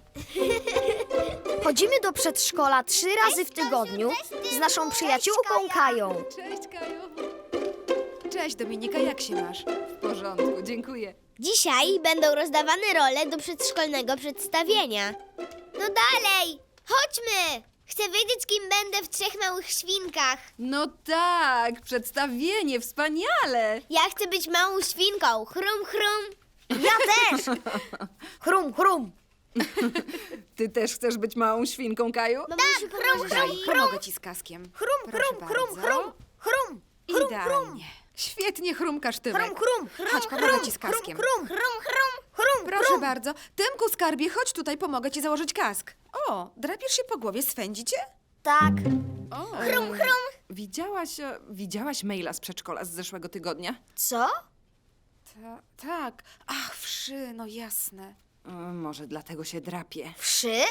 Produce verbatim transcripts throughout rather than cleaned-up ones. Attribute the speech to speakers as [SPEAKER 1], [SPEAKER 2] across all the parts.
[SPEAKER 1] Chodzimy do przedszkola trzy razy w tygodniu z naszą przyjaciółką Kają.
[SPEAKER 2] Cześć, Kaju. Cześć, Dominika, jak się masz? W porządku, dziękuję.
[SPEAKER 3] Dzisiaj będą rozdawane role do przedszkolnego przedstawienia. No dalej, chodźmy! Chcę wiedzieć, kim będę w Trzech Małych Świnkach.
[SPEAKER 2] No tak, przedstawienie, wspaniale.
[SPEAKER 3] Ja chcę być małą świnką. Chrum, chrum.
[SPEAKER 1] Ja też! Chrum, chrum.
[SPEAKER 2] Ty też chcesz być małą świnką, Kaju?
[SPEAKER 3] Mamusiu, pomożesz
[SPEAKER 2] Daj,
[SPEAKER 3] mi?
[SPEAKER 2] pomogę ci z kaskiem.
[SPEAKER 1] Chrum,
[SPEAKER 2] Proszę
[SPEAKER 1] chrum, chrum,
[SPEAKER 2] bardzo.
[SPEAKER 1] chrum, chrum, chrum, chrum.
[SPEAKER 2] Idealnie. Świetnie chrumkasz, Tymek.
[SPEAKER 1] Chrum, chrum,
[SPEAKER 2] Chodź, pomogę ci z kaskiem.
[SPEAKER 1] Chrum, chrum, chrum, chrum,
[SPEAKER 2] Proszę
[SPEAKER 1] chrum.
[SPEAKER 2] bardzo. Tymku, skarbie, chodź tutaj, pomogę ci założyć kask. O, drapiesz się po głowie, swędzi cię?
[SPEAKER 1] Tak.
[SPEAKER 2] O,
[SPEAKER 3] Chrum, chrum.
[SPEAKER 2] Widziałaś, e, widziałaś maila z przedszkola z zeszłego tygodnia?
[SPEAKER 1] Co?
[SPEAKER 2] Ta, tak. Ach, wszy, no jasne. E, może dlatego się drapie.
[SPEAKER 1] Wszy?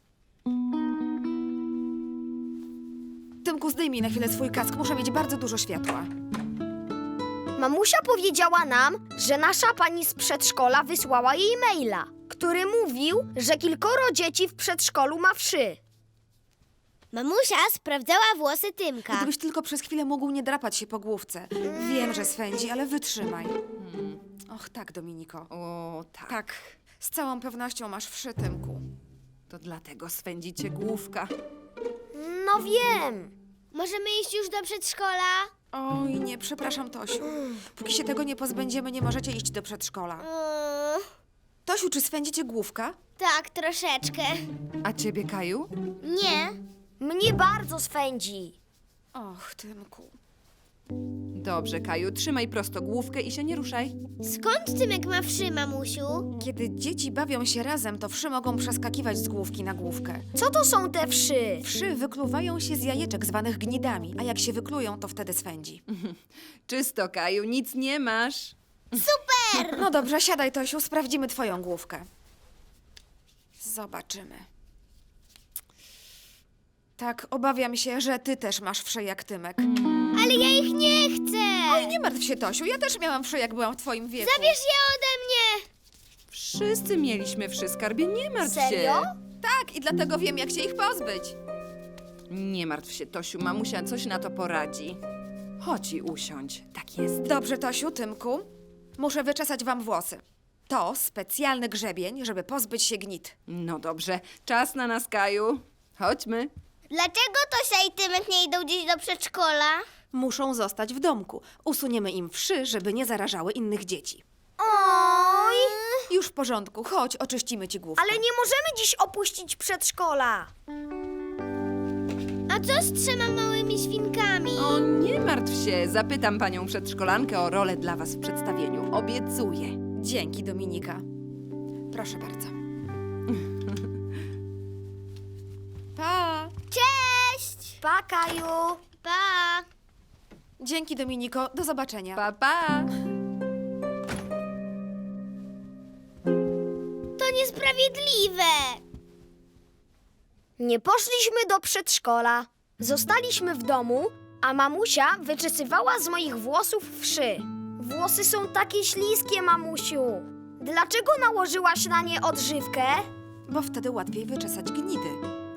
[SPEAKER 2] Tymku, zdejmij na chwilę swój kask, muszę mieć bardzo dużo światła.
[SPEAKER 1] Mamusia powiedziała nam, że nasza pani z przedszkola wysłała jej maila, który mówił, że kilkoro dzieci w przedszkolu ma wszy.
[SPEAKER 3] Mamusia sprawdzała włosy Tymka.
[SPEAKER 2] Gdybyś tylko przez chwilę mógł nie drapać się po główce. Wiem, że swędzi, ale wytrzymaj. Och, tak, Dominiko. O, tak. Tak, z całą pewnością masz wszy, Tymku. To dlatego swędzi cię główka.
[SPEAKER 1] No wiem.
[SPEAKER 3] Możemy iść już do przedszkola?
[SPEAKER 2] Oj, nie, przepraszam, Tosiu. Póki się tego nie pozbędziemy, nie możecie iść do przedszkola.
[SPEAKER 3] Mm,
[SPEAKER 2] Tosiu, czy swędzi cię główka?
[SPEAKER 3] tak, troszeczkę.
[SPEAKER 2] A ciebie, Kaju?
[SPEAKER 3] Nie.
[SPEAKER 1] Mnie bardzo swędzi.
[SPEAKER 2] Och, Tymku. Dobrze, Kaju, trzymaj prosto główkę i się nie ruszaj.
[SPEAKER 3] Skąd Tymek ma wszy, mamusiu?
[SPEAKER 2] Kiedy dzieci bawią się razem, to wszy mogą przeskakiwać z główki na główkę.
[SPEAKER 1] Co to są te wszy?
[SPEAKER 2] Wszy wykluwają się z jajeczek zwanych gnidami, a jak się wyklują, to wtedy swędzi. Czysto, Kaju, nic nie masz.
[SPEAKER 3] Super!
[SPEAKER 2] No dobrze, siadaj, Tosiu, sprawdzimy twoją główkę. Zobaczymy. Tak, obawiam się, że ty też masz wszy jak Tymek.
[SPEAKER 3] Ale ja ich nie chcę!
[SPEAKER 2] Oj, nie martw się, Tosiu, ja też miałam wszy, jak byłam w twoim wieku.
[SPEAKER 3] Zabierz je ode mnie!
[SPEAKER 2] Wszyscy mieliśmy wszy, skarbie, nie martw
[SPEAKER 1] Serio?
[SPEAKER 2] się. Tak, i dlatego wiem, jak się ich pozbyć. Nie martw się, Tosiu, mamusia coś na to poradzi. Chodź i usiądź, tak jest. Dobrze, Tosiu, Tymku, muszę wyczesać wam włosy. To specjalny grzebień, żeby pozbyć się gnit. No dobrze, czas na nas, Kaju. Chodźmy.
[SPEAKER 3] Dlaczego Tosia i Tymek nie idą gdzieś do przedszkola?
[SPEAKER 2] Muszą zostać w domku. Usuniemy im wszy, żeby nie zarażały innych dzieci.
[SPEAKER 1] Oj!
[SPEAKER 2] Już w porządku, chodź, oczyścimy ci główkę.
[SPEAKER 1] Ale nie możemy dziś opuścić przedszkola.
[SPEAKER 3] A co z trzema małymi świnkami?
[SPEAKER 2] O, nie martw się. Zapytam panią przedszkolankę o rolę dla was w przedstawieniu. Obiecuję. Dzięki, Dominika. Proszę bardzo. Pa!
[SPEAKER 3] Cześć!
[SPEAKER 1] Pa, Kaju.
[SPEAKER 3] Pa!
[SPEAKER 2] Dzięki, Dominiko. Do zobaczenia. Pa, pa!
[SPEAKER 3] To niesprawiedliwe!
[SPEAKER 1] Nie poszliśmy do przedszkola. Zostaliśmy w domu, a mamusia wyczesywała z moich włosów wszy. Włosy są takie śliskie, mamusiu. Dlaczego nałożyłaś na nie odżywkę?
[SPEAKER 2] Bo wtedy łatwiej wyczesać gnidy.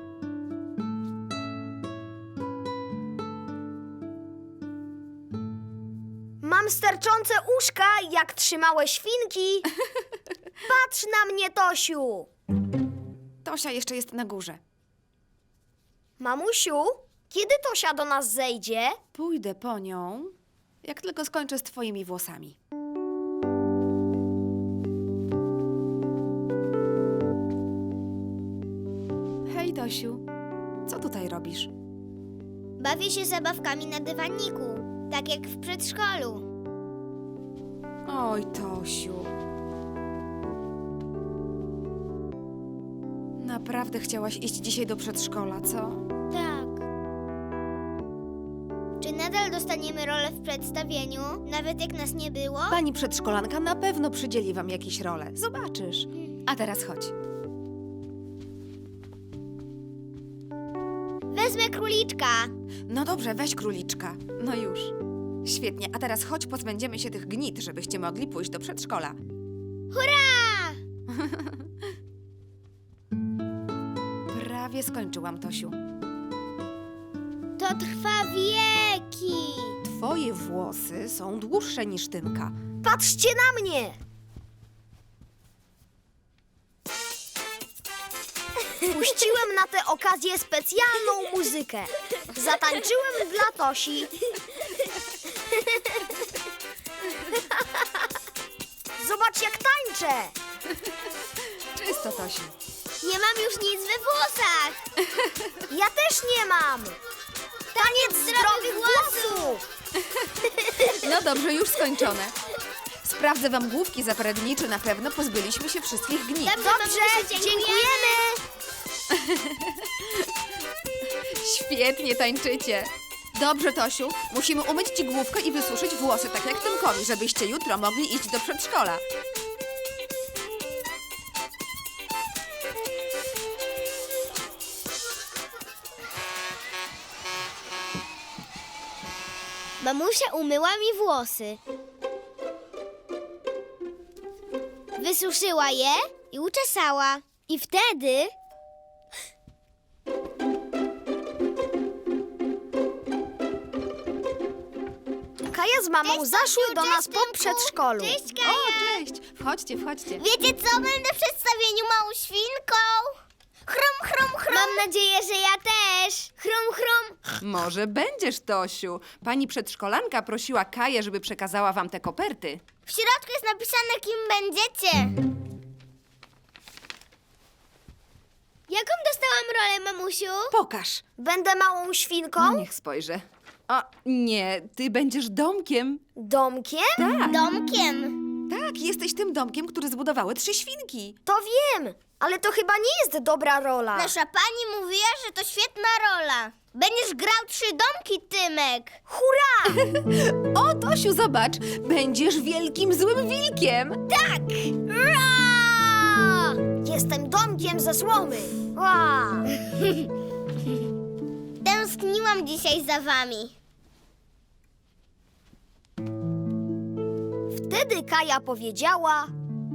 [SPEAKER 1] Mam sterczące uszka, jak trzymałe świnki. Patrz na mnie, Tosiu.
[SPEAKER 2] Tosia jeszcze jest na górze.
[SPEAKER 1] Mamusiu, kiedy Tosia do nas zejdzie?
[SPEAKER 2] Pójdę po nią, jak tylko skończę z twoimi włosami. Hej, Tosiu. Co tutaj robisz?
[SPEAKER 3] Bawię się zabawkami na dywaniku, tak jak w przedszkolu.
[SPEAKER 2] Oj, Tosiu. Naprawdę chciałaś iść dzisiaj do przedszkola, co?
[SPEAKER 3] Tak. Czy nadal dostaniemy rolę w przedstawieniu, nawet jak nas nie było?
[SPEAKER 2] Pani przedszkolanka na pewno przydzieli wam jakieś role. Zobaczysz. A teraz chodź.
[SPEAKER 3] Wezmę króliczka.
[SPEAKER 2] No dobrze, weź króliczka. No już. Świetnie, a teraz chodź, pozbędziemy się tych gnit, żebyście mogli pójść do przedszkola.
[SPEAKER 3] Hurra!
[SPEAKER 2] prawie skończyłam, Tosiu.
[SPEAKER 3] To trwa wieki.
[SPEAKER 2] Twoje włosy są dłuższe niż Tymka.
[SPEAKER 1] Patrzcie na mnie! Puściłem na tę okazję specjalną muzykę. Zatańczyłem dla Tosi. Zobacz, jak tańczę!
[SPEAKER 2] Czysto, Tosiu.
[SPEAKER 3] Nie mam już nic we włosach.
[SPEAKER 1] Ja też nie mam! Taniec zdrowych włosów!
[SPEAKER 2] No dobrze, już skończone. Sprawdzę wam główki za parę dni, czy na pewno pozbyliśmy się wszystkich gnit.
[SPEAKER 3] Dobrze,
[SPEAKER 1] Dobrze,
[SPEAKER 3] mamusiu,
[SPEAKER 1] dziękujemy!
[SPEAKER 2] Świetnie tańczycie. Dobrze, Tosiu, musimy umyć ci główkę i wysuszyć włosy, tak jak Tymkowi, żebyście jutro mogli iść do przedszkola.
[SPEAKER 3] Mamusia umyła mi włosy. Wysuszyła je i uczesała. I wtedy...
[SPEAKER 1] Kaja z mamą
[SPEAKER 3] Cześć,
[SPEAKER 1] zaszły
[SPEAKER 3] Tosiu,
[SPEAKER 1] do
[SPEAKER 3] cześć,
[SPEAKER 1] nas po
[SPEAKER 3] Tymku.
[SPEAKER 1] przedszkolu.
[SPEAKER 3] Cześć,
[SPEAKER 2] O,
[SPEAKER 3] Kaja!
[SPEAKER 2] cześć. Wchodźcie, wchodźcie.
[SPEAKER 3] Wiecie co? Będę w przedstawieniu małą świnką. Chrum, chrum, chrum. Mam nadzieję, że ja też. Chrum, chrum.
[SPEAKER 2] Może będziesz, Tosiu. Pani przedszkolanka prosiła Kaję, żeby przekazała wam te koperty.
[SPEAKER 3] W środku jest napisane, kim będziecie. Jaką dostałam rolę, mamusiu?
[SPEAKER 2] Pokaż.
[SPEAKER 1] Będę małą świnką?
[SPEAKER 2] Niech spojrzę. O, nie, ty będziesz domkiem.
[SPEAKER 1] Domkiem?
[SPEAKER 2] Tak,
[SPEAKER 3] Domkiem.
[SPEAKER 2] tak, jesteś tym domkiem, który zbudowały trzy świnki.
[SPEAKER 1] To wiem, ale to chyba nie jest dobra rola.
[SPEAKER 3] Nasza pani mówiła, że to świetna rola. Będziesz grał trzy domki, Tymek.
[SPEAKER 1] Hurra!
[SPEAKER 2] O, Tosiu, zobacz, będziesz wielkim złym wilkiem.
[SPEAKER 3] Tak!
[SPEAKER 1] Ra! Jestem domkiem ze słomy. Ła!
[SPEAKER 3] Tęskniłam dzisiaj za wami.
[SPEAKER 1] Wtedy Kaja powiedziała: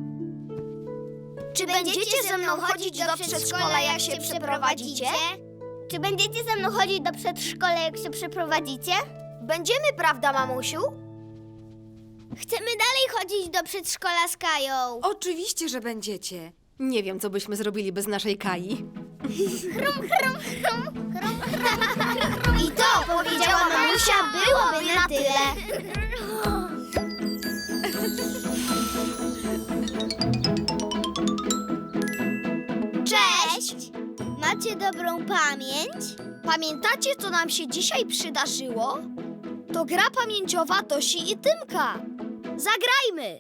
[SPEAKER 1] Czy będziecie ze mną chodzić do przedszkola, jak się przeprowadzicie?
[SPEAKER 3] Czy będziecie ze mną chodzić do przedszkola, jak się przeprowadzicie?
[SPEAKER 1] Będziemy, prawda, mamusiu?
[SPEAKER 3] Chcemy dalej chodzić do przedszkola z Kają.
[SPEAKER 2] Oczywiście, że będziecie. Nie wiem, co byśmy zrobili bez naszej Kai.
[SPEAKER 1] I to, powiedziała mamusia, byłoby na tyle. Cześć!
[SPEAKER 3] Macie dobrą pamięć?
[SPEAKER 1] Pamiętacie, co nam się dzisiaj przydarzyło? To gra pamięciowa Tosi i Tymka. Zagrajmy!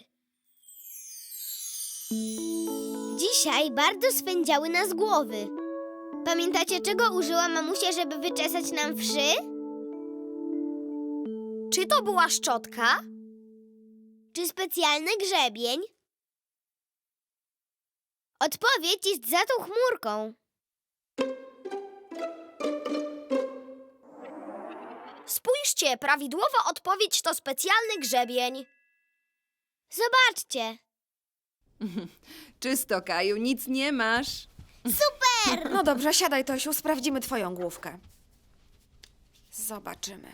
[SPEAKER 3] Dzisiaj bardzo swędziały nas głowy. Pamiętacie, czego użyła mamusia, żeby wyczesać nam wszy?
[SPEAKER 1] Czy to była szczotka?
[SPEAKER 3] Czy specjalny grzebień? Odpowiedź jest za tą chmurką.
[SPEAKER 1] Spójrzcie, prawidłowa odpowiedź to specjalny grzebień.
[SPEAKER 3] Zobaczcie.
[SPEAKER 2] Czysto, Kaju, nic nie masz.
[SPEAKER 3] Super!
[SPEAKER 2] No dobrze, siadaj, Tosiu, sprawdzimy twoją główkę. Zobaczymy.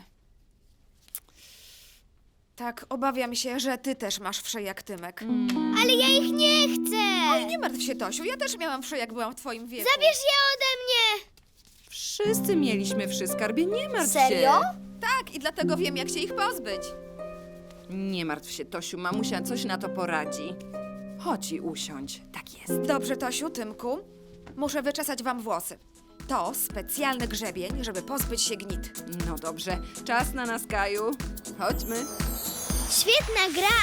[SPEAKER 2] Tak, obawiam się, że ty też masz wszy jak Tymek.
[SPEAKER 3] Ale ja ich nie chcę!
[SPEAKER 2] Oj, nie martw się, Tosiu, ja też miałam wszy, jak byłam w twoim wieku.
[SPEAKER 3] Zabierz je ode mnie!
[SPEAKER 2] Wszyscy mieliśmy wszy, skarbie, nie martw się.
[SPEAKER 1] Serio?
[SPEAKER 2] Tak, i dlatego wiem, jak się ich pozbyć. Nie martw się, Tosiu, mamusia coś na to poradzi. Chodź i usiądź, tak jest. Dobrze, Tosiu, Tymku, muszę wyczesać wam włosy. To specjalny grzebień, żeby pozbyć się gnit. No dobrze, czas na nas, Kaju. Chodźmy.
[SPEAKER 3] Świetna gra!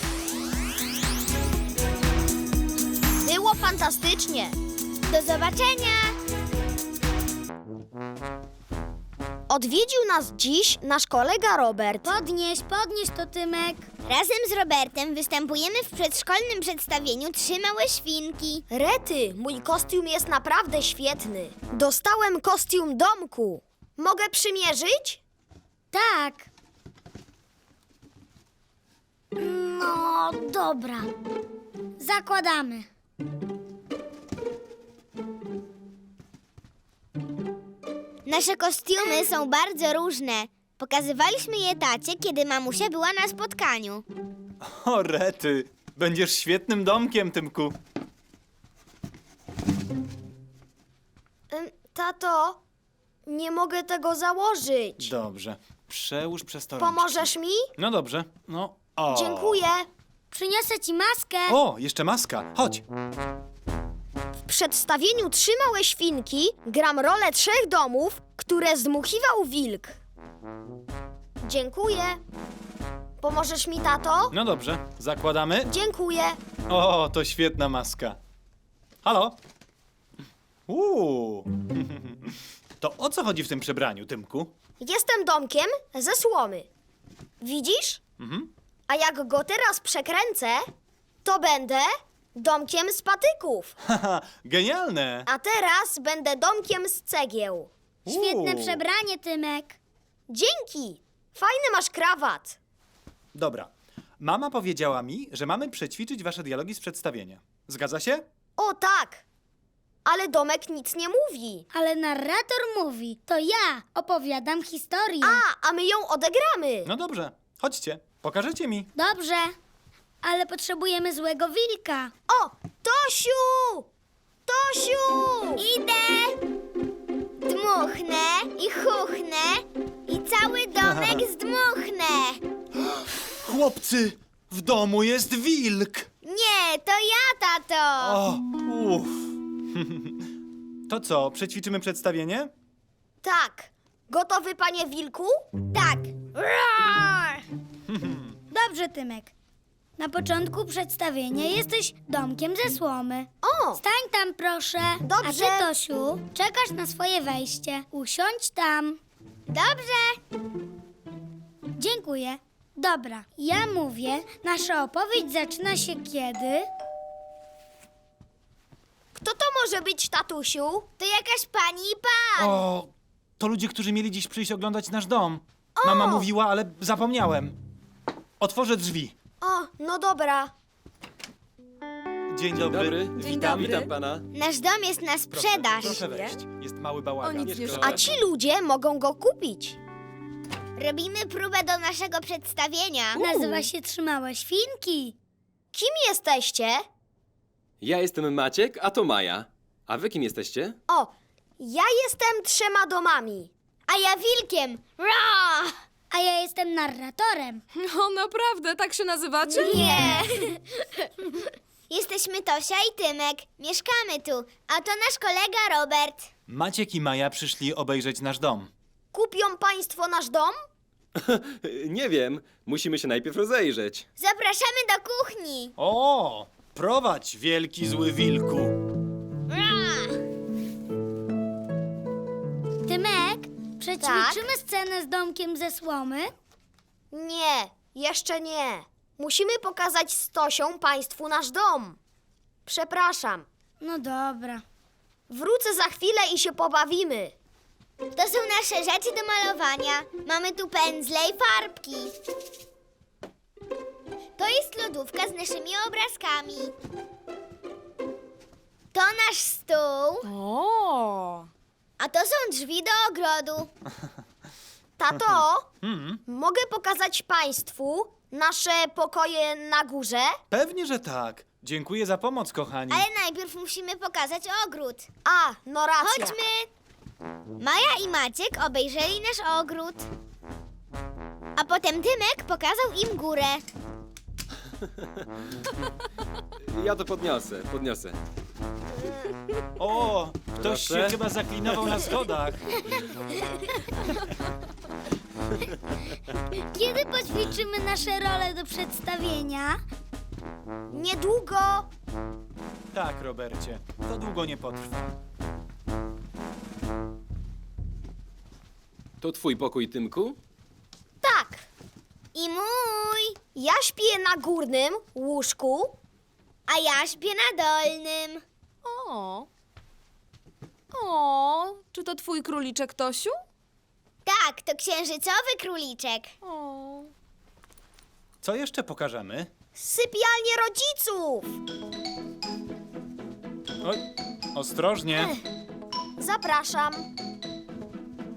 [SPEAKER 1] Było fantastycznie.
[SPEAKER 3] Do zobaczenia!
[SPEAKER 1] Odwiedził nas dziś nasz kolega Robert.
[SPEAKER 3] Podnieś, podnieś to, Tymek. Razem z Robertem występujemy w przedszkolnym przedstawieniu Trzy małe świnki.
[SPEAKER 1] Rety, mój kostium jest naprawdę świetny. Dostałem kostium domku. Mogę przymierzyć?
[SPEAKER 3] Tak. No, dobra. Zakładamy. Nasze kostiumy są bardzo różne. Pokazywaliśmy je tacie, kiedy mamusia była na spotkaniu.
[SPEAKER 4] O, rety. Będziesz świetnym domkiem, Tymku.
[SPEAKER 1] Ym, Tato, nie mogę tego założyć.
[SPEAKER 4] Dobrze. Przełóż przez to rączki.
[SPEAKER 1] Pomożesz mi?
[SPEAKER 4] No dobrze. No. O.
[SPEAKER 1] Dziękuję. Przyniosę ci maskę.
[SPEAKER 4] O, jeszcze maska. Chodź.
[SPEAKER 1] W przedstawieniu Trzy małe świnki gram rolę trzech domów, które zdmuchiwał wilk. Dziękuję. Pomożesz mi, tato?
[SPEAKER 4] No dobrze. Zakładamy.
[SPEAKER 1] Dziękuję.
[SPEAKER 4] O, to świetna maska. Halo? Uuu. To o co chodzi w tym przebraniu, Tymku?
[SPEAKER 1] Jestem domkiem ze słomy. Widzisz?
[SPEAKER 4] Mhm.
[SPEAKER 1] A jak go teraz przekręcę, to będę domkiem z patyków.
[SPEAKER 4] Haha, genialne.
[SPEAKER 1] A teraz będę domkiem z cegieł.
[SPEAKER 4] Świetne Uuu.
[SPEAKER 1] przebranie, Tymek. Dzięki. Fajny masz krawat.
[SPEAKER 4] Dobra. Mama powiedziała mi, że mamy przećwiczyć wasze dialogi z przedstawienia. Zgadza się?
[SPEAKER 1] O tak. Ale domek nic nie mówi.
[SPEAKER 5] Ale narrator mówi, to ja opowiadam historię.
[SPEAKER 1] A, a my ją odegramy.
[SPEAKER 4] No dobrze. Chodźcie. Pokażecie mi.
[SPEAKER 5] Dobrze, ale potrzebujemy złego wilka.
[SPEAKER 1] O, Tosiu! Tosiu!
[SPEAKER 3] Idę! Dmuchnę i chuchnę i cały domek zdmuchnę.
[SPEAKER 4] Chłopcy, w domu jest wilk.
[SPEAKER 3] Nie, to ja, tato.
[SPEAKER 4] O, uff. To co, przećwiczymy przedstawienie?
[SPEAKER 1] Tak. Gotowy, panie wilku?
[SPEAKER 3] Tak.
[SPEAKER 1] Roar!
[SPEAKER 5] Dobrze, Tymek. Na początku przedstawienia jesteś domkiem ze słomy.
[SPEAKER 1] O!
[SPEAKER 5] Stań tam, proszę.
[SPEAKER 1] Dobrze.
[SPEAKER 5] A ty, Tosiu, czekasz na swoje wejście. Usiądź tam.
[SPEAKER 3] Dobrze.
[SPEAKER 5] Dziękuję. Dobra, ja mówię, nasza opowieść zaczyna się kiedy...
[SPEAKER 1] Kto to może być, tatusiu?
[SPEAKER 3] To jakaś pani i pan.
[SPEAKER 4] O, to ludzie, którzy mieli dziś przyjść oglądać nasz dom. Mama mówiła, ale zapomniałem. Otworzę drzwi.
[SPEAKER 1] O, no dobra.
[SPEAKER 4] Dzień dobry.
[SPEAKER 6] Dobry.
[SPEAKER 4] Witam.
[SPEAKER 2] dobry.
[SPEAKER 6] Witam pana.
[SPEAKER 3] Nasz dom jest na sprzedaż.
[SPEAKER 4] Proszę wejść. Jest mały bałagan.
[SPEAKER 2] O, nic nie
[SPEAKER 1] A ci ludzie mogą go kupić.
[SPEAKER 3] Robimy próbę do naszego przedstawienia.
[SPEAKER 5] Nazywa się Trzy małe świnki.
[SPEAKER 1] Kim jesteście?
[SPEAKER 6] Ja jestem Maciek, a to Maja. A wy kim jesteście?
[SPEAKER 1] O, ja jestem trzema domami.
[SPEAKER 3] A ja wilkiem. Ra!
[SPEAKER 5] A ja jestem narratorem.
[SPEAKER 2] No naprawdę, tak się nazywacie?
[SPEAKER 3] Nie. Jesteśmy Tosia i Tymek. Mieszkamy tu. A to nasz kolega Robert.
[SPEAKER 4] Maciek i Maja przyszli obejrzeć nasz dom.
[SPEAKER 1] Kupią państwo nasz dom?
[SPEAKER 6] Nie wiem. Musimy się najpierw rozejrzeć.
[SPEAKER 3] Zapraszamy do kuchni.
[SPEAKER 4] O, prowadź, wielki zły wilku.
[SPEAKER 3] Ra!
[SPEAKER 5] Tymek, przećwiczymy
[SPEAKER 1] Tak?
[SPEAKER 5] scenę z domkiem ze słomy?
[SPEAKER 1] Nie, jeszcze nie. Musimy pokazać z Tosią państwu nasz dom. Przepraszam.
[SPEAKER 5] No dobra.
[SPEAKER 1] Wrócę za chwilę i się pobawimy.
[SPEAKER 3] To są nasze rzeczy do malowania. Mamy tu pędzle i farbki. To jest lodówka z naszymi obrazkami. To nasz stół,
[SPEAKER 2] O!
[SPEAKER 3] a to są drzwi do ogrodu.
[SPEAKER 1] Tato,
[SPEAKER 4] Hmm,
[SPEAKER 1] mogę pokazać państwu nasze pokoje na górze?
[SPEAKER 4] pewnie, że tak. Dziękuję za pomoc, kochani.
[SPEAKER 3] Ale najpierw musimy pokazać ogród.
[SPEAKER 1] A, no racja.
[SPEAKER 3] Chodźmy! Maja i Maciek obejrzeli nasz ogród. A potem Tymek pokazał im górę.
[SPEAKER 6] Ja to podniosę, podniosę.
[SPEAKER 4] O, ktoś się
[SPEAKER 6] Proszę.
[SPEAKER 4] chyba zaklinował na schodach.
[SPEAKER 5] Kiedy poćwiczymy nasze role do przedstawienia?
[SPEAKER 1] Niedługo.
[SPEAKER 4] Tak, Robercie, to długo nie potrwa.
[SPEAKER 6] To twój pokój, Tymku?
[SPEAKER 1] Tak,
[SPEAKER 3] I mój.
[SPEAKER 1] ja śpię na górnym łóżku.
[SPEAKER 3] A ja śpię na dolnym.
[SPEAKER 2] O! O! Czy to twój króliczek, Tosiu?
[SPEAKER 3] Tak, to księżycowy króliczek.
[SPEAKER 2] O!
[SPEAKER 4] Co jeszcze pokażemy?
[SPEAKER 1] Sypialnie rodziców.
[SPEAKER 4] Oj, ostrożnie.
[SPEAKER 1] Zapraszam.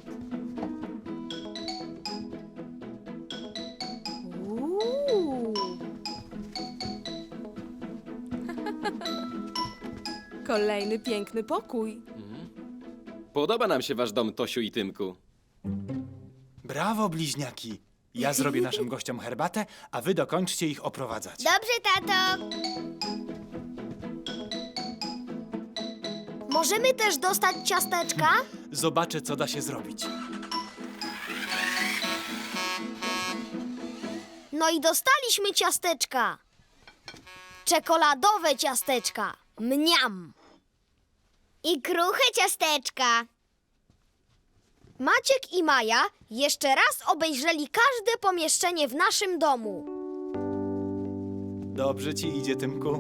[SPEAKER 7] Kolejny piękny pokój.
[SPEAKER 6] Podoba nam się wasz dom, Tosiu i Tymku.
[SPEAKER 4] Brawo, bliźniaki. Ja zrobię naszym gościom herbatę, a wy dokończcie ich oprowadzać.
[SPEAKER 3] Dobrze, tato.
[SPEAKER 1] Możemy też dostać ciasteczka?
[SPEAKER 4] Zobaczę, co da się zrobić.
[SPEAKER 1] No i dostaliśmy ciasteczka. Czekoladowe ciasteczka. Mniam.
[SPEAKER 3] I kruche ciasteczka.
[SPEAKER 1] Maciek i Maja jeszcze raz obejrzeli każde pomieszczenie w naszym domu.
[SPEAKER 4] Dobrze ci idzie, Tymku.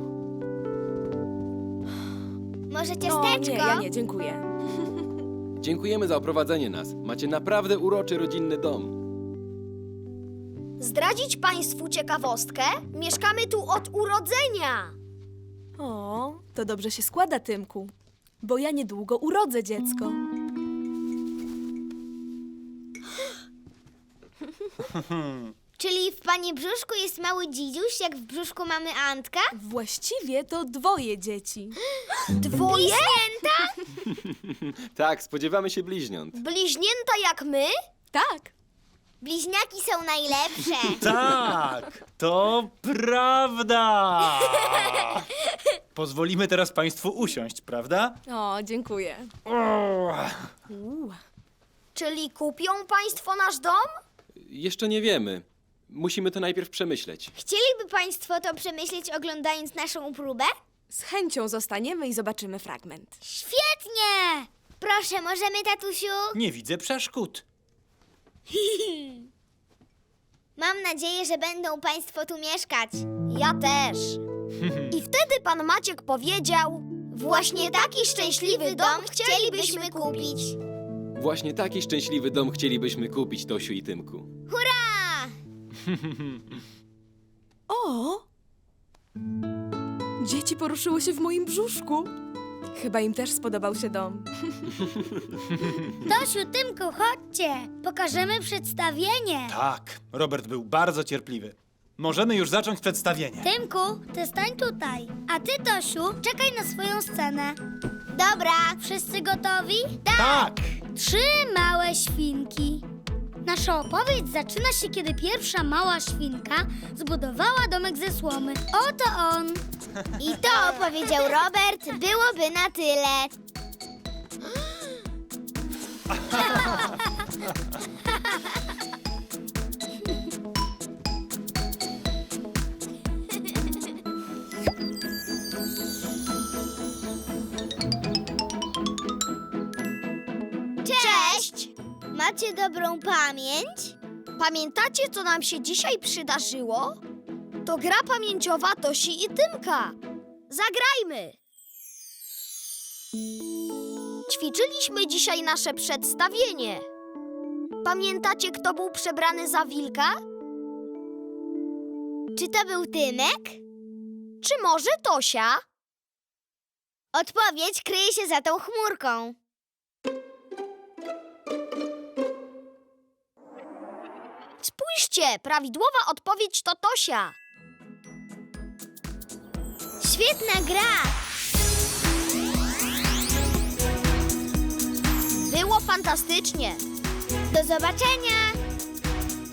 [SPEAKER 3] Może
[SPEAKER 7] O
[SPEAKER 3] ciasteczko?
[SPEAKER 7] nie, ja nie, dziękuję.
[SPEAKER 6] Dziękujemy za oprowadzenie nas. Macie naprawdę uroczy rodzinny dom.
[SPEAKER 1] Zdradzić Państwu ciekawostkę? Mieszkamy tu od urodzenia.
[SPEAKER 7] O, to dobrze się składa, Tymku. Bo ja niedługo urodzę dziecko.
[SPEAKER 3] Czyli w pani brzuszku jest mały dzidziuś, jak w brzuszku mamy Antka?
[SPEAKER 7] Właściwie to dwoje dzieci.
[SPEAKER 1] Dwoje?
[SPEAKER 6] Tak, spodziewamy się bliźniąt.
[SPEAKER 1] Bliźnięta jak my?
[SPEAKER 7] Tak.
[SPEAKER 3] Bliźniaki są najlepsze.
[SPEAKER 4] Tak, to prawda. Pozwolimy teraz Państwu usiąść, prawda?
[SPEAKER 7] O, dziękuję.
[SPEAKER 4] O,
[SPEAKER 7] Uuu.
[SPEAKER 1] Czyli kupią Państwo nasz dom?
[SPEAKER 6] Jeszcze nie wiemy. Musimy to najpierw przemyśleć.
[SPEAKER 3] Chcieliby państwo to przemyśleć, oglądając naszą próbę?
[SPEAKER 7] Z chęcią zostaniemy i zobaczymy fragment.
[SPEAKER 3] Świetnie! Proszę, możemy, tatusiu?
[SPEAKER 4] nie widzę przeszkód.
[SPEAKER 3] Mam nadzieję, że będą państwo tu mieszkać.
[SPEAKER 1] Ja też. I wtedy pan Maciek powiedział:
[SPEAKER 3] Właśnie taki szczęśliwy dom chcielibyśmy kupić.
[SPEAKER 6] Właśnie taki szczęśliwy dom chcielibyśmy kupić, Tosiu i Tymku.
[SPEAKER 3] Hurra!
[SPEAKER 7] O! Dzieci poruszyły się w moim brzuszku. Chyba im też spodobał się dom.
[SPEAKER 5] Tosiu, Tymku, chodźcie. Pokażemy przedstawienie.
[SPEAKER 4] Tak, Robert był bardzo cierpliwy. Możemy już zacząć przedstawienie.
[SPEAKER 5] Tymku, ty stań tutaj. A ty, Tosiu, czekaj na swoją scenę.
[SPEAKER 3] Dobra.
[SPEAKER 5] Wszyscy gotowi?
[SPEAKER 4] Tak!
[SPEAKER 5] Trzy małe świnki. Nasza opowieść zaczyna się, kiedy pierwsza mała świnka zbudowała domek ze słomy. Oto on.
[SPEAKER 3] I to, powiedział Robert, byłoby na tyle. Cześć! Macie dobrą pamięć?
[SPEAKER 1] Pamiętacie, co nam się dzisiaj przydarzyło? To gra pamięciowa Tosi i Tymka. Zagrajmy! Ćwiczyliśmy dzisiaj nasze przedstawienie. Pamiętacie, kto był przebrany za wilka?
[SPEAKER 3] Czy to był Tymek?
[SPEAKER 1] Czy może Tosia?
[SPEAKER 3] Odpowiedź kryje się za tą chmurką.
[SPEAKER 1] Spójrzcie, prawidłowa odpowiedź to Tosia.
[SPEAKER 3] Świetna gra!
[SPEAKER 1] Było fantastycznie.
[SPEAKER 3] Do zobaczenia!